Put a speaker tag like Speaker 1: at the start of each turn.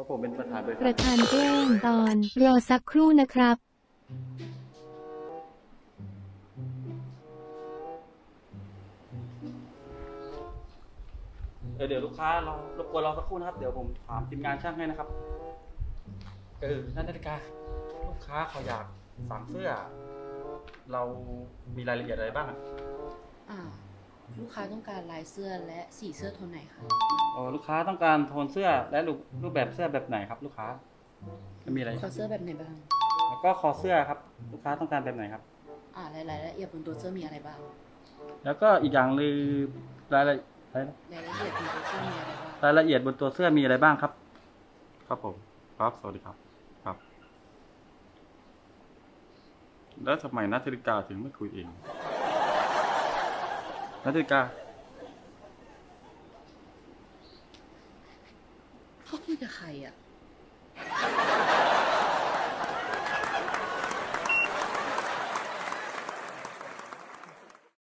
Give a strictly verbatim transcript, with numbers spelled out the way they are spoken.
Speaker 1: ราะผมเป็นประธานบริษัท
Speaker 2: ประธานแจ้งตอนรอสักครู่นะครับ
Speaker 1: เออเดี๋ยวลูกค้ารอรบกวนรอสักครู่นะครับเดี๋ยวผมถามทีมงานช่างให้นะครับเออนั่นนาฬิกาลูกค้าเขาอยากสั่งเสื้อ เรามีรายละเอียดอะไรบ้างอะ
Speaker 3: อ่าลูกค้าต้องการลายเสื้อและสีเสื้อโทนไหนคะ
Speaker 1: อ๋อลูกค้าต้องการโทนเสื้อและรูปรูปแบบเสื้อแบบไหนครับ ลูกค้าจะมีอะไร
Speaker 3: ขอเสื้อแบบไหนบ้าง
Speaker 1: แล้วก็คอเสื้อครับ ลูกค้าต้องการแบบไหนครับ
Speaker 3: อ่ารายละเอียดบนตัวเสื้อมีอะไรบ้าง
Speaker 1: แล้วก็อีกอย่างคือรายละรายละ
Speaker 3: รายละเอียดบนตัวเสื้อมีอะไรบ้าง
Speaker 1: รายละเอียดบนตัวเสื้อมีอะไรบ้างครับ ครับผมครับสวัสดีครับครับ แล้วทำไมนัทธริกาถึงไม่คุยเองนัทธริกา
Speaker 3: เขาคุยกับใครอ่ะ